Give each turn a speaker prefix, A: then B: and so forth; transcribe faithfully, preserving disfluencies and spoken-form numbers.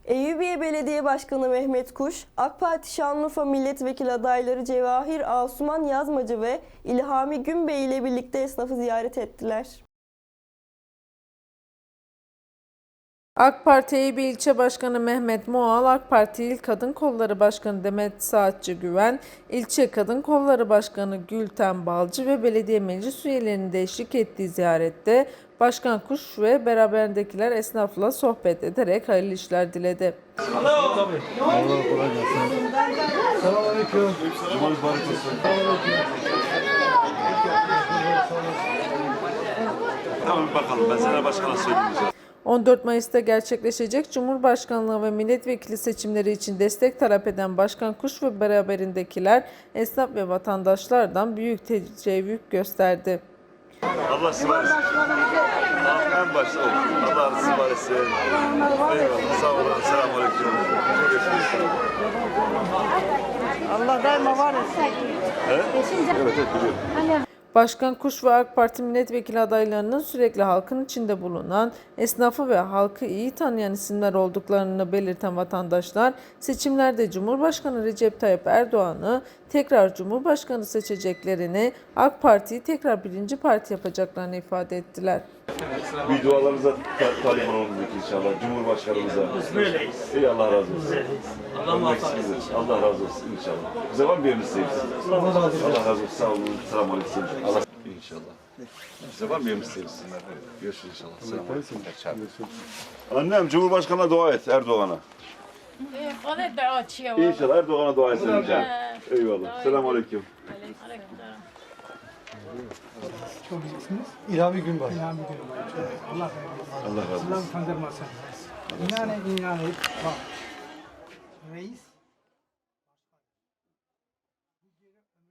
A: Eyyubiye Belediye Başkanı Mehmet Kuş, AK Parti Şanlıurfa Milletvekili adayları Cevahir Asuman Yazmacı ve İlhami Günbey ile birlikte esnafı ziyaret ettiler.
B: AK Parti Eyüpiye İlçe Başkanı Mehmet Moğal, AK Parti İl Kadın Kolları Başkanı Demet Saatçı Güven, İlçe Kadın Kolları Başkanı Gülten Balcı ve belediye meclis üyelerinin de eşlik ettiği ziyarette Başkan Kuş ve beraberindekiler esnafla sohbet ederek hayırlı işler diledi.
C: Tamam bakalım, ben sana başkana söyleyeceğim.
B: on dört Mayıs'ta gerçekleşecek Cumhurbaşkanlığı ve milletvekili seçimleri için destek talep eden Başkan Kuş ve beraberindekiler esnaf ve vatandaşlardan büyük teşekkür gösterdi.
C: Allah sizi var etsin. En başta olsun. Allah sizi var etsin. Eyvallah. Sağ olun. Selamun aleyküm.
D: Allah daima var etsin.
C: Evet, evet biliyorum.
B: Başkan Kuş ve AK Parti milletvekili adaylarının sürekli halkın içinde bulunan, esnafı ve halkı iyi tanıyan isimler olduklarını belirten vatandaşlar, seçimlerde Cumhurbaşkanı Recep Tayyip Erdoğan'ı tekrar Cumhurbaşkanı seçeceklerini, AK Parti'yi tekrar birinci parti yapacaklarını ifade ettiler.
C: Bir dualarınıza ta talip olalım inşallah. Cumhurbaşkanımıza.
E: Böyleyiz.
C: İyi Allah razı olsun.
E: Böyleyiz. Allah muvaffak etsin.
C: Allah razı olsun inşallah. Bize var mı bir yeriniz sevgisi? Allah razı olsun. Allah razı olsun. Sağ olun. Selamun aleyküm. Allah inşallah. Bize var mı bir yeriniz sevgisi? Görüşürüz inşallah. Selamun aleyküm. Annem Cumhurbaşkanı'na dua et Erdoğan'a.
F: Bana da açıyor.
C: İnşallah Erdoğan'a dua etsin inşallah. Eyvallah. Selamun aleyküm.
G: Çok iyisiniz. İlhami Günbay. İlhami Günbay. Allah
C: Allah razı olsun.
G: Allah utandırmasın. İnanın inanın. Bak. Reis